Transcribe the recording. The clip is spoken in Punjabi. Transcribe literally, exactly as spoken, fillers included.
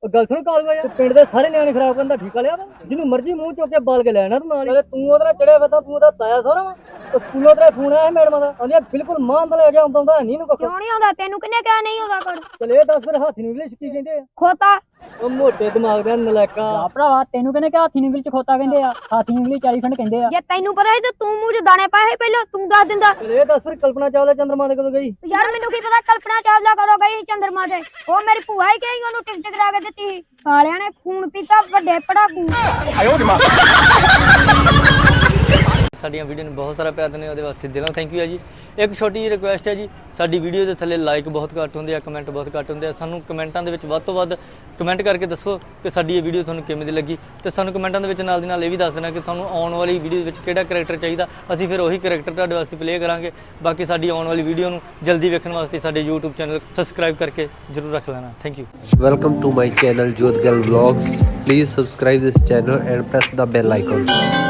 ਗੱਲ ਸੁਣ ਕਾਲ ਹੋਇਆ ਪਿੰਡ ਦੇ ਸਾਰੇ ਨਿਆਣੇ ਖਰਾਬ ਕਰਨ ਦਾ ਠੀਕਾ ਲਿਆ ਵਾ ਜਿਹਨੂੰ ਮਰਜ਼ੀ ਮੂੰਹ ਚੁੱਕ ਕੇ ਬਾਲ ਕੇ ਲੈਣਾ ਤੂੰ ਨਾਲ ਤੂੰ ਉਹਦੇ ਨਾਲ ਚੜਿਆ ਵਾ ਤਾਂ ਤੂੰ ਉਹਦਾ ਤਾਇਆ ਸਾਰਾ ਵਾ ਤੇ ਸਕੂਲੋਂ ਤੇਰਾ ਫੋਨ ਆਇਆ ਮੈਡਮ ਦਾ ਕਹਿੰਦੀ ਬਿਲਕੁਲ ਮਾਂ ਦਾ ਲੈ ਕੇ ਆਉਂਦਾ ਹੁੰਦਾ ਨਹੀਂ ਨੂੰ ਕੱਖ ਕਿਉਂ ਨਹੀਂ ਆਉਂਦਾ ਤੈਨੂੰ ਕਿੰਨੇ ਕਿਹਾ ਨਹੀਂ ਆਉਂਦਾ ਕਰ ਚਲ ਇਹ ਦੱਸ ਫਿਰ ਹਾਥੀ ਨੂੰ ਇੰਗਲਿਸ਼ ਕੀ ਕਹਿੰਦੇ ਆ ਖੋਤਾ ਉਹ ਮੋਟੇ ਦਿਮਾਗ ਦੇ ਨਲਾਇਕਾ ਆ ਭਰਾਵਾ ਤੈਨੂੰ ਕਹਿੰਦੇ ਕਿ ਹਾਥੀ ਨੂੰ ਇੰਗਲਿਸ਼ ਚ ਖੋਤਾ ਕਹਿੰਦੇ ਆ ਹਾਥੀ ਨੂੰ ਇੰਗਲਿਸ਼ ਐਲੀਫੈਂਟ ਕਹਿੰਦੇ ਆ ਜੇ ਤੈਨੂੰ ਪਤਾ ਸੀ ਤਾਂ ਤੂੰ ਮੂੰਹ 'ਚ ਦਾਣੇ ਪਾਏ ਸੀ ਪਹਿਲਾਂ ਤੂੰ ਦੱਸ ਦਿੰਦਾ ਚਲ ਇਹ ਦੱਸ ਫਿਰ ਕਲਪਨਾ ਚਾਵਲਾ ਚੰਦਰਮਾ ਦੇ ਕਦੋਂ ਗਈ ਯਾਰ ਮੈਨੂੰ ਕੀ ਪਤਾ ਕਲਪਨਾ ਚਾਵਲਾ ਕਦੋਂ ਗਈ ਸੀ ਚੰਦਰਮਾ ਤੇ ਉਹ ਮੇਰੀ ਭੂਆ ਹੀ ਕਹੀ ਉਹਨੂੰ ਟਿਕਟ ਕਰਾ ਕੇ ਦਿੱਤੀ ਸੀ ਸਾਲਿਆਂ ਨੇ ਖੂਨ ਪੀਤਾ ਵੱਡੇ ਪੜਾਕੂ ਸਾਡੀਆਂ ਵੀਡੀਓ ਨੂੰ ਬਹੁਤ ਸਾਰਾ ਪਿਆਰ ਦਿੰਦੇ ਉਹਦੇ ਵਾਸਤੇ ਦਿਲੋਂ ਥੈਂਕ ਯੂ ਹੈ ਜੀ। ਇੱਕ ਛੋਟੀ ਜਿਹੀ ਰਿਕੁਐਸਟ ਹੈ ਜੀ, ਸਾਡੀ ਵੀਡੀਓ ਦੇ ਥੱਲੇ ਲਾਈਕ ਬਹੁਤ ਘੱਟ ਹੁੰਦੇ ਆ, ਕਮੈਂਟ ਬਹੁਤ ਘੱਟ ਹੁੰਦੇ ਆ। ਸਾਨੂੰ ਕਮੈਂਟਾਂ ਦੇ ਵਿੱਚ ਵੱਧ ਤੋਂ ਵੱਧ ਕਮੈਂਟ ਕਰਕੇ ਦੱਸੋ ਕਿ ਸਾਡੀ ਇਹ ਵੀਡੀਓ ਤੁਹਾਨੂੰ ਕਿਵੇਂ ਦੀ ਲੱਗੀ ਤੇ ਸਾਨੂੰ ਕਮੈਂਟਾਂ ਦੇ ਵਿੱਚ ਨਾਲ ਦੀ ਨਾਲ ਇਹ ਵੀ ਦੱਸ ਦੇਣਾ ਕਿ ਤੁਹਾਨੂੰ ਆਉਣ ਵਾਲੀ ਵੀਡੀਓ ਦੇ ਵਿੱਚ ਕਿਹੜਾ ਕਰੈਕਟਰ ਚਾਹੀਦਾ, ਅਸੀਂ ਫਿਰ ਉਹੀ ਕਰੈਕਟਰ ਤੁਹਾਡੇ ਵਾਸਤੇ ਪਲੇ ਕਰਾਂਗੇ। ਬਾਕੀ ਸਾਡੀ ਆਉਣ ਵਾਲੀ ਵੀਡੀਓ ਨੂੰ ਜਲਦੀ ਵੇਖਣ ਵਾਸਤੇ ਸਾਡੇ YouTube ਚੈਨਲ ਸਬਸਕ੍ਰਾਈਬ ਕਰਕੇ ਜ਼ਰੂਰ ਰੱਖ ਲੈਣਾ। Thank you. Welcome to my channel Jodhgal Vlogs. Please subscribe this channel and press the bell icon.